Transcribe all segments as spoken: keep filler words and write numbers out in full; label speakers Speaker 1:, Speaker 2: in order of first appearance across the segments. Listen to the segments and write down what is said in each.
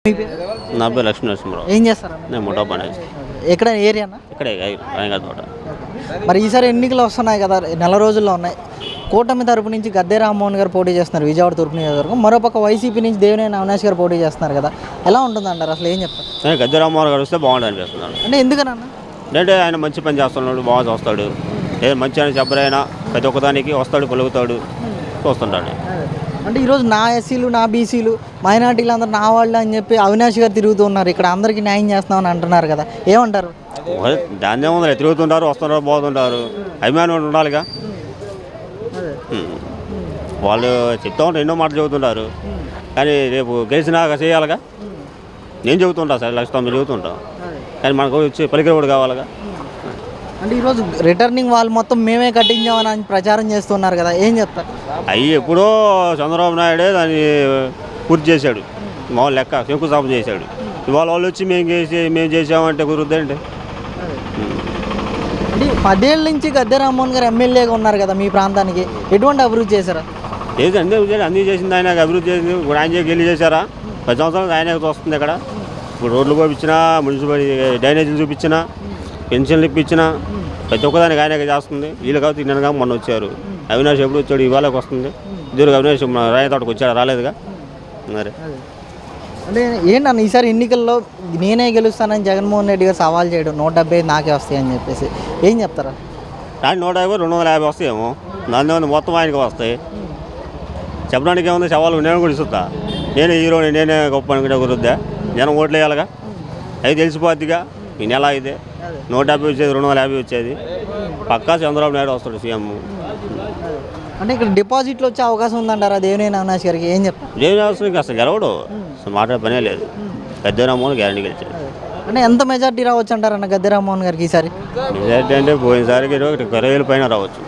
Speaker 1: నా పేరు లక్ష్మీ నరసింహరావు.
Speaker 2: ఏం చేస్తారు?
Speaker 1: నేను ముఠా పని.
Speaker 2: ఎక్కడ ఏరియానా?
Speaker 1: ఇక్కడే రంగా తోట.
Speaker 2: మరి ఈసారి ఎన్నికలు వస్తున్నాయి కదా, నెల రోజుల్లో ఉన్నాయి. కూటమి తరపు నుంచి గద్దె రామ్మోహన్ గారు పోటీ చేస్తున్నారు విజయవాడ తూర్పు నియోజకవర్గం. మరోపక్క వైసీపీ నుంచి దేవినేని అవినాష్ గారు పోటీ చేస్తున్నారు కదా, ఎలా ఉంటుంది అంటారు? అసలు ఏం చెప్తారు?
Speaker 1: గద్దె రామ్మోహన్ గారు వస్తే బాగుంటుంది అనిపిస్తున్నాడు.
Speaker 2: అంటే ఎందుకనన్నా?
Speaker 1: అంటే ఆయన మంచి పని చేస్తున్నాడు, బాగా చూస్తాడు. ఏ మంచి అయినా చెప్పరైనా ప్రతి ఒక్కదానికి వస్తాడు, పలుకుతాడు, చూస్తుంటాడు.
Speaker 2: అంటే ఈరోజు నా ఎస్సీలు, నా బీసీలు, మైనార్టీలు అందరూ నా వాళ్ళు అని చెప్పి అవినాష్ గారు తిరుగుతూ ఉన్నారు. ఇక్కడ అందరికీ న్యాయం చేస్తామని అంటున్నారు కదా, ఏమంటారు?
Speaker 1: దాన్ని ఏముంది, తిరుగుతుంటారు, వస్తుంటారు, పోతుంటారు. అభిమానం ఉండాలిగా. వాళ్ళు చెప్తా ఉంటారు, ఎన్నో మాటలు చెబుతుంటారు. కానీ రేపు గెలిచినాక చేయాలిగా. నేను చెబుతుంటా సార్, లక్ష్యం మీరు చెబుతుంటాం. కానీ మనకు వచ్చి పలికిన కూడా కావాలిగా.
Speaker 2: అంటే ఈరోజు రిటర్నింగ్ వాళ్ళు మొత్తం మేమే కట్టించామని ప్రచారం చేస్తున్నారు కదా, ఏం చెప్తారు?
Speaker 1: అవి ఎప్పుడో చంద్రబాబు నాయుడే దాన్ని పూర్తి చేశాడు. మామూలు లెక్క శంకుస్థాపన చేశాడు. ఇవాళ వాళ్ళు వచ్చి మేము చేసి మేము చేసామంటే కుదురుద్దండి.
Speaker 2: అంటే పదేళ్ళ నుంచి గద్దె రామ్మోహన్ గారు ఎమ్మెల్యేగా ఉన్నారు కదా, మీ ప్రాంతానికి ఎటువంటి అభివృద్ధి చేశారా?
Speaker 1: ఏది అన్నీ అన్నీ చేసింది ఆయన, అభివృద్ధి చేసింది. ఇప్పుడు ఆయన వెళ్ళి చేశారా? పది సంవత్సరాలు ఆయన వస్తుంది ఇక్కడ. ఇప్పుడు రోడ్లు పోయించినా, మున్సిపల్ డ్రైనేజీలు చూపించినా, పెన్షన్లు ఇప్పించినా, ప్రతి ఒక్కదానికి ఆయనకి చేస్తుంది. వీళ్ళు కాబట్టి నిన్నగా మొన్న వచ్చారు. అవినాష్ ఎప్పుడు వచ్చాడు? ఇవాళకి వస్తుంది. ఇద్దరు అవినాష్ రాయతోటకు వచ్చాడు, రాలేదుగా. మరి
Speaker 2: అంటే ఏంటన్న ఈసారి ఎన్నికల్లో నేనే గెలుస్తానని జగన్మోహన్ రెడ్డి గారు సవాల్ చేయడం, నూట డెబ్బై నాకే వస్తాయి అని చెప్పేసి ఏం చెప్తారా?
Speaker 1: దాని నూట యాభై రెండు వందల యాభై వస్తాయేమో. దాని ఏమన్నా మొత్తం ఆయనకి వస్తాయి. చెప్పడానికి ఏముంది? సవాలు నేను కూడా ఇస్తుందా? నేనే హీరోని, నేనే గొప్ప అనుకుంటే కుదురుద్దా? జనం ఓట్లు వేయాలిగా. అది తెలిసిపోద్దిగా. ఈ నెల అయితే నూట యాభై వచ్చేది, రెండు వందల యాభై వచ్చేది. పక్కా చంద్రబాబు నాయుడు వస్తాడు సీఎం.
Speaker 2: అంటే ఇక్కడ డిపాజిట్లు వచ్చే అవకాశం ఉందంటారా దేవినేని అవినాష్ గారికి? ఏం చెప్తారు?
Speaker 1: దేవినేని అవినాష్ అసలు గెలవడు, అసలు మాట్లాడే పనే లేదు. గద్దె రామ్మోహన్ గ్యారంటీ గెలిచాడు.
Speaker 2: అంటే ఎంత మెజార్టీ రావచ్చు అంటారన్న గద్దె రామ్మోహన్ గారికి ఈసారి?
Speaker 1: మెజార్టీ అంటే పోయినసారికి ఇరవై వేల పైన రావచ్చు.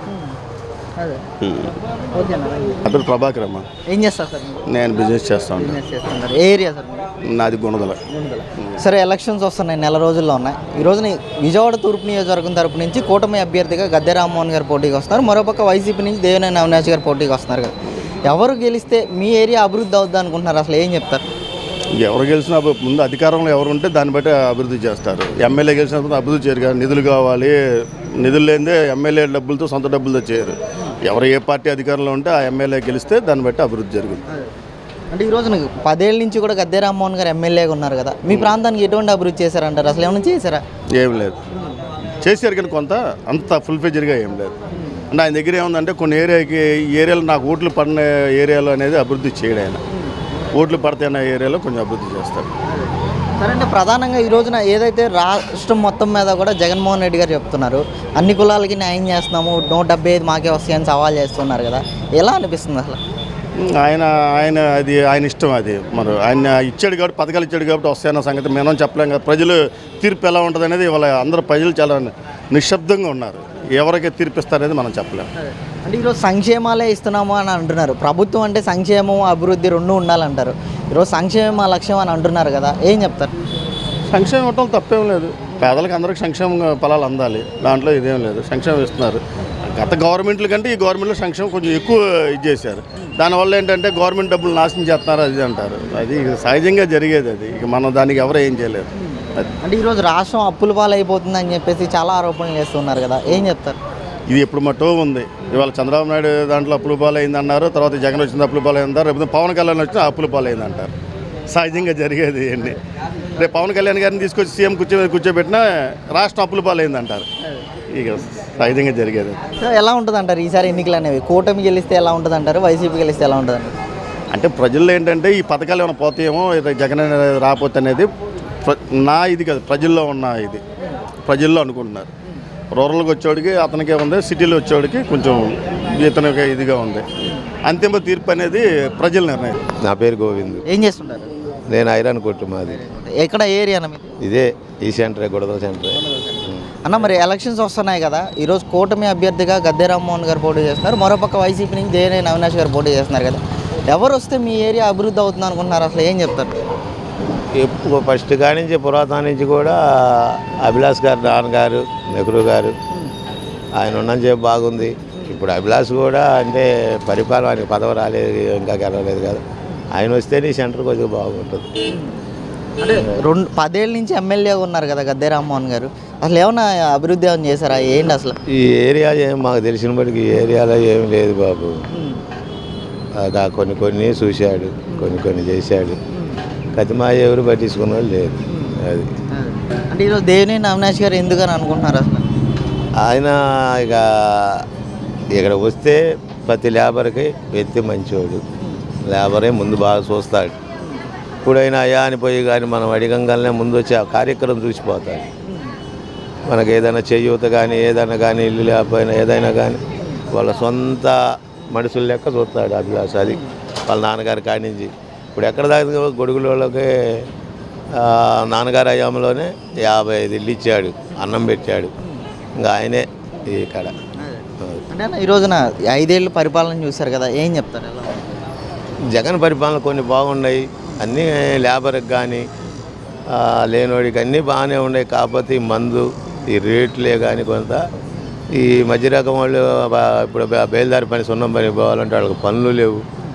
Speaker 3: అప్పుడు ప్రభాకర్ అమ్మ.
Speaker 2: ఏం చేస్తారు సార్?
Speaker 3: నేను బిజినెస్ చేస్తాను.
Speaker 2: ఏ ఏరియా సార్?
Speaker 3: నాది గుణదల.
Speaker 2: సరే, ఎలక్షన్స్ వస్తున్నాయి, నెల రోజుల్లో ఉన్నాయి. ఈ రోజున విజయవాడ తూర్పు నియోజకవర్గం తరపు నుంచి కూటమి అభ్యర్థిగా గద్దె రామ్మోహన్ గారు పోటీకి వస్తున్నారు. మరోపక్క వైసీపీ నుంచి దేవినేని అవినాష్ గారు పోటీకి వస్తున్నారు కదా, ఎవరు గెలిస్తే మీ ఏరియా అభివృద్ధి అవుద్ది అనుకుంటున్నారు? అసలు ఏం చెప్తారు?
Speaker 3: ఎవరు గెలిచినా ముందు అధికారంలో ఎవరు ఉంటే దాన్ని బట్టి అభివృద్ధి చేస్తారు. ఎమ్మెల్యే గెలిచినప్పుడు అభివృద్ధి చేయరు కదా, నిధులు కావాలి. నిధులు లేదే ఎమ్మెల్యే డబ్బులతో, సొంత డబ్బులతో చేయరు. ఎవరు ఏ పార్టీ అధికారంలో ఉంటే ఆ ఎమ్మెల్యే గెలిస్తే దాన్ని బట్టి అభివృద్ధి జరుగుతుంది.
Speaker 2: అంటే ఈ రోజున పదేళ్ళ నుంచి కూడా గద్దె రామ్మోహన్ గారు ఎమ్మెల్యేగా ఉన్నారు కదా, మీ ప్రాంతానికి ఎటువంటి అభివృద్ధి చేశారంటారు? అసలు ఏమైనా చేశారా?
Speaker 3: ఏం లేదు, చేశారు కానీ కొంత అంత ఫుల్ ఫెజర్గా ఏం లేదు. అంటే ఆయన దగ్గర ఏముందంటే కొన్ని ఏరియాకి ఈ ఏరియాలో నాకు ఓట్లు పడిన ఏరియాలో అనేది అభివృద్ధి చేయడం. ఆయన ఓట్లు పడితే ఏరియాలో కొంచెం అభివృద్ధి చేస్తారు.
Speaker 2: సరే, అంటే ప్రధానంగా ఈ రోజున ఏదైతే రాష్ట్రం మొత్తం మీద కూడా జగన్మోహన్ రెడ్డి గారు చెప్తున్నారు, అన్ని కులాలకి న్యాయం చేస్తున్నాము, నూట డెబ్బై ఐదు మాకే వస్తాయని సవాల్ చేస్తున్నారు కదా, ఎలా అనిపిస్తుంది అసలు?
Speaker 3: ఆయన ఆయన అది ఆయన ఇష్టం. అది మరి ఆయన ఇచ్చాడు కాబట్టి, పథకాలు ఇచ్చాడు కాబట్టి వస్తాయన్న సంగతి మనం చెప్పలేం కదా. ప్రజలు తీర్పు ఎలా ఉంటుంది అనేది ఇవాళ అందరూ ప్రజలు చాలా నిశ్శబ్దంగా ఉన్నారు. ఎవరికి తీర్పిస్తారనేది మనం చెప్పలేము.
Speaker 2: అంటే ఈరోజు సంక్షేమాలే ఇస్తున్నాము అని అంటున్నారు. ప్రభుత్వం అంటే సంక్షేమం, అభివృద్ధి రెండు ఉండాలంటారు. ఈరోజు సంక్షేమ లక్ష్యం అని అంటున్నారు కదా, ఏం చెప్తారు?
Speaker 3: సంక్షేమం ఇవ్వటం తప్పేం లేదు. పేదలకు అందరికి సంక్షేమ ఫలాలు అందాలి, దాంట్లో ఇదేం లేదు. సంక్షేమం ఇస్తున్నారు. గత గవర్నమెంట్ల కంటే ఈ గవర్నమెంట్లో సంక్షేమం కొంచెం ఎక్కువ ఇది చేశారు. దానివల్ల ఏంటంటే గవర్నమెంట్ డబ్బులు నాశనం చేస్తున్నారు అది అంటారు. అది సహజంగా జరిగేది. అది ఇక మనం దానికి ఎవరు ఏం చేయలేరు.
Speaker 2: అంటే ఈరోజు రాష్ట్రం అప్పుల పాలైపోతుంది అని చెప్పేసి చాలా ఆరోపణలు చేస్తున్నారు కదా, ఏం చెప్తారు?
Speaker 3: ఇది ఎప్పుడు మట్టో ఉంది. ఇవాళ చంద్రబాబు నాయుడు దాంట్లో అప్పుల పాలైంది అన్నారు, తర్వాత జగన్ వచ్చింది అప్పుల పాలైందారు, రేపు పవన్ కళ్యాణ్ వచ్చిన అప్పుల పాలైంది అంటారు. సహజంగా జరిగేది ఇవన్నీ. రేపు పవన్ కళ్యాణ్ గారిని తీసుకొచ్చి సీఎం కూర్చో కూర్చోబెట్టినా రాష్ట్రం అప్పుల పాలైంది అంటారు. ఇక సహజంగా జరిగేది.
Speaker 2: ఎలా ఉంటుంది అంటారు ఈసారి ఎన్నికలు అనేవి? కూటమి గెలిస్తే ఎలా ఉంటుంది అంటారు, వైసీపీ గెలిస్తే ఎలా ఉంటుంది అంటారు?
Speaker 3: అంటే ప్రజల్లో ఏంటంటే ఈ పథకాలు ఏమైనా పోతాయేమో, జగన్ రాకపోతే అనేది నా ఇది కాదు, ప్రజల్లో ఉన్న ఇది. ప్రజల్లో అనుకుంటున్నారు. రూరల్కి వచ్చేవాడికి అతనికే ఉంది, సిటీలో వచ్చేవాడికి కొంచెం ఇతనికి ఇదిగా ఉంది. అంతిమ తీర్పు అనేది ప్రజల నిర్ణయం.
Speaker 4: నా పేరు గోవింద్.
Speaker 2: ఏం చేస్తుంటారు?
Speaker 4: నేను ఐరన్ కొట్టు మాది.
Speaker 2: ఎక్కడ ఏరియా అన్న?
Speaker 4: ఇదే ఈ సెంటరే, గొడవ సెంటరే
Speaker 2: అన్న. మరి ఎలక్షన్స్ వస్తున్నాయి కదా, ఈరోజు కూటమి అభ్యర్థిగా గద్దె రామ్మోహన్ గారు పోటీ చేస్తున్నారు, మరోపక్క వైసీపీ నుంచి దేవినేని అవినాష్ గారు పోటీ చేస్తున్నారు కదా, ఎవరు వస్తే మీ ఏరియా అభివృద్ధి అవుతుంది అనుకుంటున్నారు? అసలు ఏం చెప్తారు?
Speaker 4: ఎప్పుడు ఫస్ట్ కాడి నుంచి పురాతన నుంచి కూడా అభిలాష్ గారు, నాన్నగారు, నెహ్రూ గారు ఆయన ఉన్నంత చెప్పి బాగుంది. ఇప్పుడు అభిలాష్ కూడా అంటే పరిపాలన, ఆయనకి పదవి రాలేదు, ఇంకా గెలవలేదు కదా, ఆయన వస్తేనే సెంటర్ కొద్దిగా బాగుంటుంది.
Speaker 2: అంటే రెండు పదేళ్ళ నుంచి ఎమ్మెల్యేగా ఉన్నారు కదా గద్దె రామ్మోహన్ గారు, అసలు ఏమన్నా అభివృద్ధి ఏమైనా చేశారా? ఏంటి అసలు
Speaker 4: ఈ ఏరియా ఏం మాకు తెలిసిన బట్టి ఈ ఏరియాలో ఏం లేదు బాబు. అదా కొన్ని కొన్ని చూశాడు, కొన్ని కొన్ని చేశాడు. కతిమా ఎవరు పట్టించుకున్న వాళ్ళు లేదు. అది
Speaker 2: అంటే ఈరోజు దేవినేని అవినాష్ గారు ఎందుకని అనుకుంటున్నారు అసలు?
Speaker 4: ఆయన ఇక ఇక్కడ వస్తే ప్రతి లేబర్కి వ్యక్తి మంచివాడు. లేబరే ముందు బాగా చూస్తాడు. ఇప్పుడైనా అయ్యా అని పోయి కానీ మనం అడిగంగానే ముందు వచ్చి ఆ కార్యక్రమం చూసిపోతాడు. మనకి ఏదైనా చేయూత కానీ ఏదైనా కానీ ఇల్లు లేకపోయినా ఏదైనా కానీ వాళ్ళ సొంత మనుషుల లెక్క చూస్తాడు అభిలాష్. అది వాళ్ళ నాన్నగారి కాడి నుంచి ఇప్పుడు ఎక్కడ దాకా గొడుగులకి నాన్నగారి అయ్యామలోనే యాభై ఐదు ఇల్లు ఇచ్చాడు, అన్నం పెట్టాడు. ఇంకా ఆయనే ఇక్కడ.
Speaker 2: అంటే ఈ రోజున ఐదేళ్ళు పరిపాలన చూశారు కదా, ఏం చెప్తారు? ఎలా
Speaker 4: జగన్ పరిపాలన కొన్ని బాగున్నాయి, అన్నీ లేబర్కి కానీ లేనోడికి అన్నీ బాగానే ఉన్నాయి. కాకపోతే ఈ మందు ఈ రేట్లే కానీ కొంత ఈ మధ్య రకం వాళ్ళు ఇప్పుడు బయలుదేరి పని సున్నం పని పోవాలంటే వాళ్ళకి పనులు లేవు.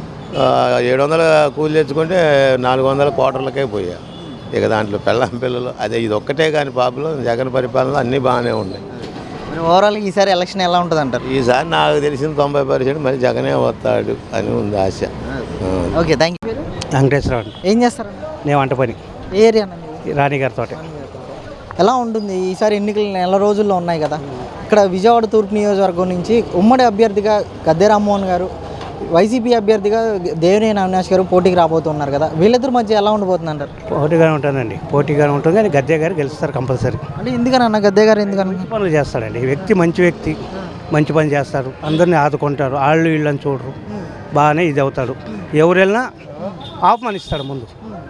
Speaker 4: ఏడు వందల కూలి తెచ్చుకుంటే నాలుగు వందల క్వార్టర్లకే పోయా. ఇక దాంట్లో పెళ్ళం పిల్లలు అదే ఇది ఒక్కటే కానీ పాపలో జగన్ పరిపాలనలో అన్నీ బాగానే ఉన్నాయి.
Speaker 2: ఓవరాల్ ఈసారి ఎలక్షన్ ఎలా ఉంటుంది అంటారు?
Speaker 4: ఈసారి నాకు తెలిసిన తొంభై పర్సెంట్ మరి జగనే వస్తాడు అని ఉంది ఆశ.
Speaker 2: Okay, thank you.
Speaker 5: వెంకటేశ్వరరావు.
Speaker 2: ఏం చేస్తారు?
Speaker 5: నేను వంట పని.
Speaker 2: ఏ ఏరియా?
Speaker 5: రాణిగారి తోట.
Speaker 2: ఎలా ఉంటుంది ఈసారి ఎన్నికలు నెల రోజుల్లో ఉన్నాయి కదా, ఇక్కడ విజయవాడ తూర్పు నియోజకవర్గం నుంచి ఉమ్మడి అభ్యర్థిగా గద్దె రామ్మోహన్ గారు, వైసీపీ అభ్యర్థిగా దేవినేని అవినాష్ గారు పోటీకి రాబోతున్నారు కదా, వీళ్ళిద్దరి మధ్య ఎలా ఉండబోతుంది అంటారు?
Speaker 5: పోటీగానే ఉంటుందండి, పోటీగానే ఉంటుంది. కానీ గద్దె గారు గెలుస్తారు కంపల్సరీ.
Speaker 2: అంటే ఎందుకనన్నా గద్దె గారు ఎందుకన్నా?
Speaker 5: పనులు చేస్తాడండి వ్యక్తి, మంచి వ్యక్తి, మంచి పని చేస్తారు, అందరినీ ఆదుకుంటారు, వాళ్ళు వీళ్ళని చూడరు, బాగానే ఇది అవుతాడు. ఎవరు వెళ్ళినా ఆహ్వానిస్తాడు. ముందు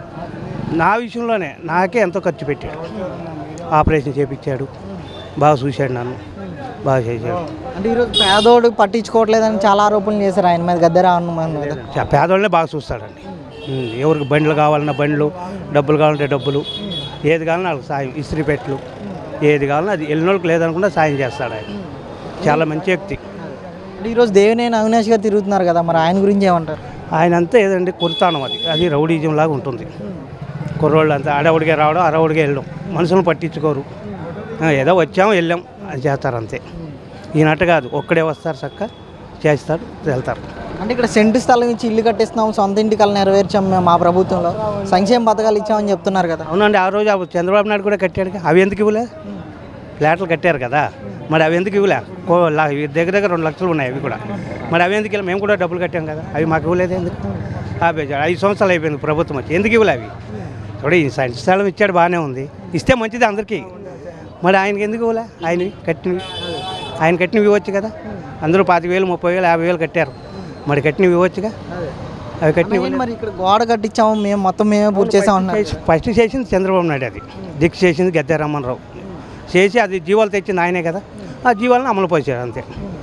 Speaker 5: నా విషయంలోనే నాకే ఎంతో ఖర్చు పెట్టాడు, ఆపరేషన్ చేయించాడు, బాగా చూశాడు, నన్ను బాగా చేశాడు.
Speaker 2: అంటే ఈరోజు పేదోడు పట్టించుకోవట్లేదని చాలా ఆరోపణలు చేశారు ఆయన మీద, గద్దె రామ్మోహన్ మీద.
Speaker 5: పేదోళ్ళనే బాగా చూస్తాడండి. ఎవరికి బండ్లు కావాలన్నా బండ్లు, డబ్బులు కావాలంటే డబ్బులు, ఏది కావాలన్నా వాళ్ళకి సాయం, ఇస్త్రీ పెట్టలు, ఏది కావాలన్నా అది వెళ్ళినోళ్ళకి లేదనుకుంటే సాయం చేస్తాడు ఆయన. చాలా మంచి వ్యక్తి.
Speaker 2: అంటే ఈరోజు దేవినేని అవినాష్ గారు తిరుగుతున్నారు కదా, మరి ఆయన గురించి ఏమంటారు?
Speaker 5: ఆయన అంతా ఏదండి కుర్తానం, అది అది రౌడీజం లాగా ఉంటుంది. కుర్రోళ్ళు అంతా అడవుడిగా రావడం, అరవుడిగా వెళ్ళడం, మనుషులను పట్టించుకోరు. ఏదో వచ్చాము వెళ్ళాం అని చేస్తారు అంతే. ఈయనట్టు కాదు, ఒక్కడే వస్తారు, చక్క చేస్తారు, వెళ్తారు.
Speaker 2: అంటే ఇక్కడ సెంటు స్థలం ఇచ్చి ఇల్లు కట్టిస్తున్నాం, సొంత ఇంటి కళ నెరవేర్చాం మేము మా ప్రభుత్వంలో, సంక్షేమ పథకాలు ఇచ్చామని చెప్తున్నారు కదా.
Speaker 5: అవునండి, ఆ రోజు చంద్రబాబు నాయుడు కూడా కట్టాడు. అవి ఎందుకు ఇవ్వలే? ఫ్లాట్లు కట్టారు కదా, మరి అవి ఎందుకు ఇవ్వలే? దగ్గర దగ్గర రెండు లక్షలు ఉన్నాయి అవి కూడా. మరి అవి ఎందుకు ఇవ్వలే? మేము కూడా డబ్బులు కట్టాం కదా, అవి మాకు ఇవ్వలేదు ఎందుకు? ఆపేసాడు. ఐదు సంవత్సరాలు అయిపోయింది ప్రభుత్వం వచ్చి, ఎందుకు ఇవ్వలే అవి? చూడ ఈ సంటి స్థలం ఇచ్చాడు, బాగానే ఉంది, ఇస్తే మంచిది అందరికీ. మరి ఆయనకి ఎందుకు ఇవ్వలే? ఆయనవి కట్టినవి ఆయన కట్టినవి ఇవ్వచ్చు కదా. అందరూ పాతి వేలు ముప్పై వేలు యాభై వేలు కట్టారు, మరి కట్టినవి ఇవ్వచ్చుగా. అవి కట్టినవి.
Speaker 2: మరి ఇక్కడ గోడ కట్టించాము మేము, మొత్తం మేమే పూర్తి చేసామన్నా.
Speaker 5: ఫస్ట్ చేసింది చంద్రబాబు నాయుడు, అది దిక్కు చేసింది గద్దె రామ్మోహన్ చేసి అది జీవాలు తెచ్చింది ఆయనే కదా, ఆ జీవాలను అమలు పరిచారు అంతే.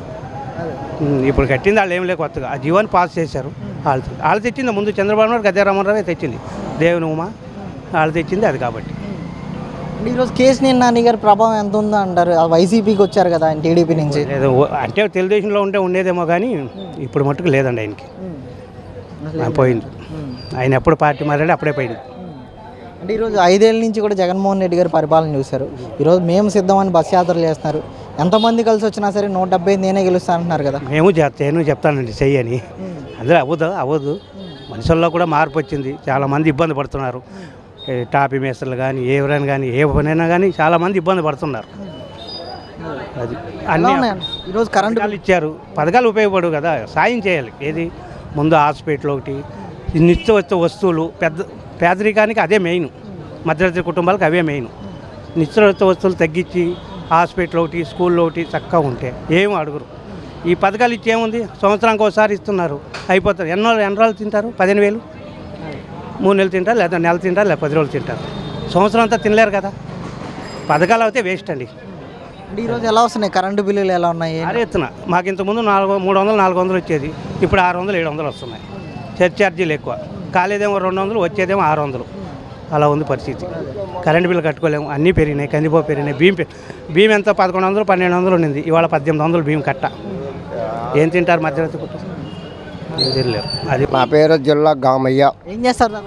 Speaker 5: ఇప్పుడు కట్టింది వాళ్ళు ఏం లేక కొత్తగా ఆ జీవాన్ని పాస్ చేశారు. వాళ్ళు వాళ్ళు తెచ్చింది ముందు చంద్రబాబు నాయుడు, గద్దె రామ్మోహన్ రావు తెచ్చింది, దేవుని ఉమా వాళ్ళు తెచ్చింది అది. కాబట్టి
Speaker 2: ఈరోజు కేసీఆర్ నాని గారి ప్రభావం ఎంత ఉందో అంటారు? వైసీపీకి వచ్చారు కదా ఆయన టీడీపీ నుంచి.
Speaker 5: ఏదో అంటే తెలుగుదేశంలో ఉంటే ఉండేదేమో కానీ ఇప్పుడు మట్టుకు లేదండి ఆయనకి, పోయింది. ఆయన ఎప్పుడు పార్టీ మారాడు అప్పుడే పోయింది.
Speaker 2: అంటే ఈరోజు ఐదేళ్ళ నుంచి కూడా జగన్మోహన్ రెడ్డి గారు పరిపాలన చూశారు. ఈరోజు మేము సిద్ధమని బస్ యాత్రలు చేస్తున్నారు. ఎంతమంది కలిసి వచ్చినా సరే నూట డెబ్బై నేనే గెలుస్తా అంటున్నారు కదా.
Speaker 5: మేము నేను చెప్తానండి చెయ్యని, అందులో అవ్వదు అవ్వదు. మనుషుల్లో కూడా మార్పు వచ్చింది, చాలామంది ఇబ్బంది పడుతున్నారు. టాపీ మేస్త్రులు కానీ ఎవరైనా కానీ ఏ పనైనా కానీ చాలామంది ఇబ్బంది పడుతున్నారు. అది అన్నీ
Speaker 2: ఈరోజు కరెంటు
Speaker 5: పథకాలు ఇచ్చారు, పథకాలు ఉపయోగపడు కదా, సాయం చేయాలి. ఏది ముందు హాస్పిటల్ ఒకటి, నిత్య వచ్చే వస్తువులు, పెద్ద పేదరికానికి అదే మెయిన్, మధ్యతరగతి కుటుంబాలకు అవే మెయిన్. నిత్య వచ్చే వస్తువులు తగ్గించి హాస్పిటల్ ఒకటి, స్కూల్లో ఒకటి చక్కగా ఉంటే ఏమీ అడుగురు. ఈ పథకాలు ఇచ్చి ఏముంది, సంవత్సరానికి ఒకసారి ఇస్తున్నారు, అయిపోతారు. ఎన్నో ఎన్ని రోజులు తింటారు? పదిహేను వేలు మూడు నెలలు తింటారు, లేదా నెల తింటారు, లేదా పది రోజులు తింటారు. సంవత్సరం అంతా తినలేరు కదా. పథకాలు అయితే వేస్ట్ అండి.
Speaker 2: ఈరోజు ఎలా వస్తున్నాయి కరెంటు బిల్లులు, ఎలా ఉన్నాయి?
Speaker 5: అరే ఎత్తున మాకు ఇంతకుముందు నాలుగు మూడు వందలు నాలుగు వందలు వచ్చేది, ఇప్పుడు ఆరు వందలు ఏడు వందలు వస్తున్నాయి. చర్చ్ ఛార్జీలు ఎక్కువ, కాలేదేమో రెండు వందలు, వచ్చేదేమో ఆరు వందలు. అలా ఉంది పరిస్థితి. కరెంటు బిల్లు కట్టుకోలేము, అన్నీ పెరిగినాయి, కందిపో పెరిగినాయి. బియ్యం బియ్యం ఎంత పదకొండు వందలు పన్నెండు వందలు ఉండింది, ఇవాళ పద్దెనిమిది వందలు బియ్యం కట్ట. ఏం తింటారు మధ్యతరగతి కుటుంబం? ఏం తినలేరు. అది
Speaker 6: నా పేరు జిల్లా గామయ్య.
Speaker 2: ఏం చేస్తారు?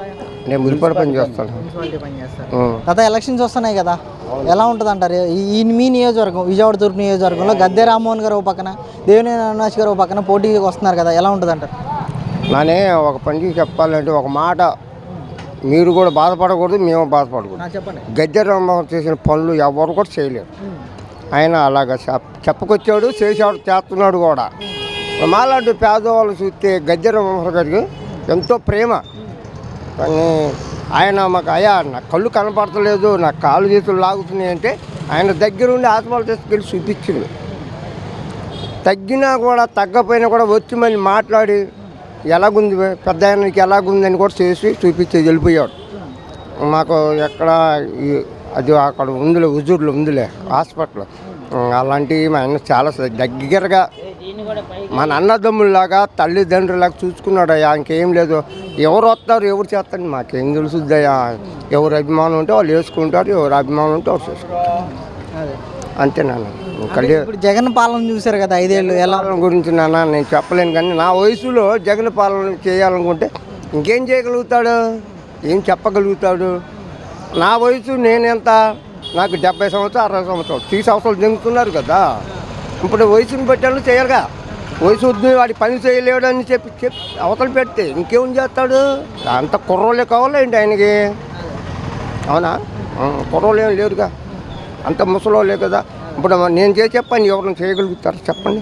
Speaker 6: నేను మున్సిపల్ పని చేస్తాను.
Speaker 2: మున్సిపాలిటీ పని చేస్తారు. గత ఎలక్షన్స్ వస్తున్నాయి కదా, ఎలా ఉంటుంది అంటారు? ఈ మీ నియోజకవర్గం విజయవాడ తూర్పు నియోజకవర్గంలో గద్దె రామ్మోహన్ గారు ఒక పక్కన, దేవినేని అవినాష్ గారు ఒక పక్కన పోటీకి వస్తున్నారు కదా, ఎలా ఉంటుంది అంటారు?
Speaker 6: నానే ఒక పని చెప్పాలంటే ఒక మాట, మీరు కూడా బాధపడకూడదు, మేము బాధపడకూడదు.
Speaker 2: చెప్పండి.
Speaker 6: గద్దె రామ్మోహన్ చేసిన పనులు ఎవరు కూడా చేయలేరు. ఆయన అలాగా చెప్ చెప్పుకొచ్చాడు, చేసాడు, చేస్తున్నాడు కూడా. మాలాంటి పేదవాళ్ళు చూస్తే గద్దె రామ్మోహన్ గారికి ఎంతో ప్రేమ. కానీ ఆయన మాకు అయ్యా నా కళ్ళు కనపడతలేదు, నా కాళ్ళు చేతులు లాగుతున్నాయి అంటే ఆయన దగ్గరుండి ఆత్మలు తీసుకెళ్ళి చూపించింది. తగ్గినా కూడా తగ్గపోయినా కూడా వచ్చి మళ్ళీ మాట్లాడి ఎలాగుంది పెద్ద ఆయనకి ఎలాగుందని కూడా చేసి చూపించి వెళ్ళిపోయాడు. మాకు ఎక్కడ అది అక్కడ ఉందిలే, హుజూర్లో ఉందిలే హాస్పిటల్. అలాంటివి మా ఆయన చాలా దగ్గరగా మన అన్నదమ్ముల్లాగా తల్లిదండ్రులాగా చూసుకున్నాడు. అయ్యా ఇంకేం లేదు. ఎవరు వస్తారు ఎవరు చేస్తారు మాకేం తెలుసుద్దయ్యా. ఎవరు అభిమానం ఉంటే వాళ్ళు వేసుకుంటారు, ఎవరు అభిమానం ఉంటే వాళ్ళు చేసుకుంటారు. అంతే నాన్న.
Speaker 2: ఇప్పుడు జగన్ పాలన చూశారు కదా ఐదేళ్ళు, ఎలా
Speaker 6: పాలన గురించి నాన్న నేను చెప్పలేను. కానీ నా వయసులో జగన్ పాలన చేయాలనుకుంటే ఇంకేం చేయగలుగుతాడు, ఏం చెప్పగలుగుతాడు? నా వయసు నేనెంత, నాకు డెబ్బై సంవత్సరాలు అరవై సంవత్సరాలు త్రీ సంవత్సరాలు దిగుతున్నారు కదా. ఇప్పుడు వయసుని బట్టి చేయాలిగా. వయసు వద్దు వాడి పని చేయలేడు అని చెప్పి చెప్పి అవతల పెడితే ఇంకేం చేస్తాడు? అంత కుర్రోళ్ళే కావాలా ఏంటి ఆయనకి? అవునా? కుర్రోళ్ళు ఏం లేరుగా, అంత ముసలోళ్ళే కదా. ఇప్పుడు నేను చేసే పని ఎవరిని చేయగలుగుతారు చెప్పండి?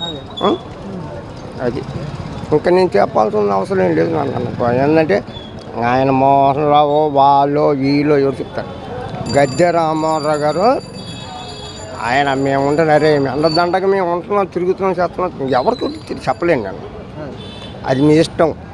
Speaker 6: అది ఇంకా నేను చెప్పాల్సిన అవసరం ఏం లేదు నాన్న. ఏంటంటే ఆయన మోహన్ రావు వాళ్ళు వీళ్ళు ఎవరు చెప్తారు? గద్దె రామ్మోహన్ రావు గారు ఆయన మేము ఉంటే అరే అందదండగా మేము ఉంటున్నాం, తిరుగుతున్నాం, చేస్తున్నాం, ఎవరికి చెప్పలేను నేను. అది మీ ఇష్టం.